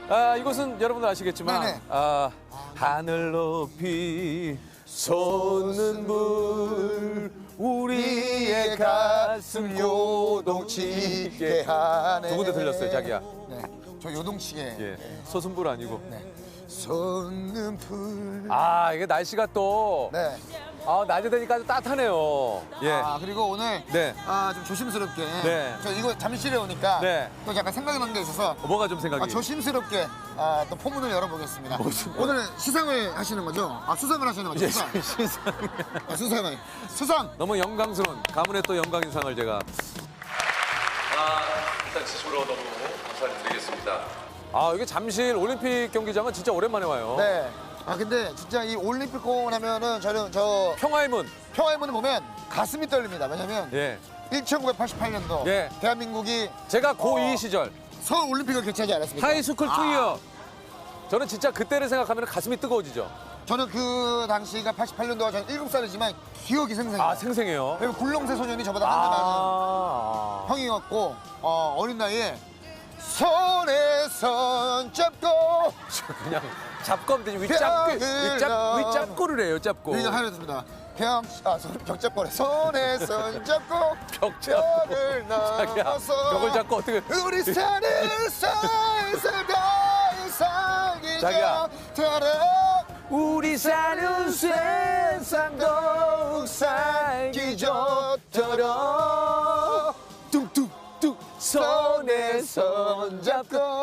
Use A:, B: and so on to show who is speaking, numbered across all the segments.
A: 이곳은 여러분들 아시겠지만
B: 네네.
A: 하늘 높이 솟는 불 우리의 가슴 요동치게
B: 하네.
A: 두 군데 들렸어요, 자기야.
B: 네, 저 요동치게.
A: 예, 솟은 불 아니고.
B: 네. 솟는 불.
A: 이게 날씨가 또
B: 네.
A: 낮에 되니까 아주 따뜻하네요. 예.
B: 그리고 오늘
A: 네.
B: 좀 조심스럽게.
A: 네.
B: 저 이거 잠실에 오니까
A: 네.
B: 또 약간 생각이 난 게 있어서
A: 뭐가 좀 생각이?
B: 조심스럽게 또 포문을 열어보겠습니다.
A: 무슨
B: 오늘 시상을 하시는 거죠? 수상을 하시는 거죠?
A: 예,
B: 수상.
A: 시상.
B: 수상.
A: 너무 영광스러운 가문의 또 영광인상을 제가 일단 진심으로 너무 감사드리겠습니다. 이게 잠실 올림픽 경기장은 진짜 오랜만에 와요.
B: 네. 근데 진짜 이 올림픽 공원 하면은 저는
A: 평화의 문.
B: 평화의 문을 보면 가슴이 떨립니다. 왜냐면
A: 예.
B: 1988년도
A: 예.
B: 대한민국이
A: 제가 고2 시절
B: 서울 올림픽을 개최하지 않았습니까?
A: 하이스쿨 투이어. 저는 진짜 그때를 생각하면 가슴이 뜨거워지죠.
B: 저는 그 당시가 88년도가 저는 7살이지만 기억이 생생해요.
A: 생생해요.
B: 그리고 굴렁쇠 소년이 저보다 한 살 많은 형이었고 어린 나이에 손에 손 잡고
A: 그냥 잡고 대신 윗잡고를 해요, 짭고.
B: 이거 하였습니다. 벽잡고래 손에 손 잡고
A: 벽잡고.
B: 벽을
A: 자기야,
B: 넘어서
A: 벽을 잡고 어떻게.
B: 우리 사는 세상 더 이상
A: 자기야.
B: 이제처럼
A: 우리 사는 세상 더욱 살기 좋도록 뚝뚝뚝 손에 손 잡고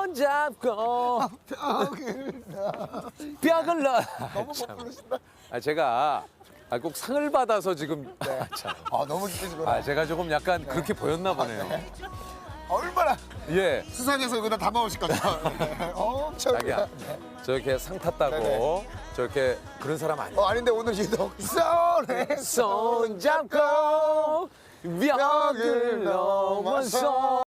A: 벽을 넣어.
B: 너무 못 부르신다.
A: 제가 꼭 상을 받아서 지금
B: 너무 기쁘시구나.
A: 제가 조금 약간 그렇게 보였나 보네요.
B: 얼마나
A: 예.
B: 수상해서 이거 다 담아오실 거죠. 엄청.
A: 자기야, 저렇게 상 탔다고
B: 네네.
A: 저렇게 그런 사람 아니야.
B: 아닌데 오늘 유독 손에
A: 손 잡고 벽을 넘어서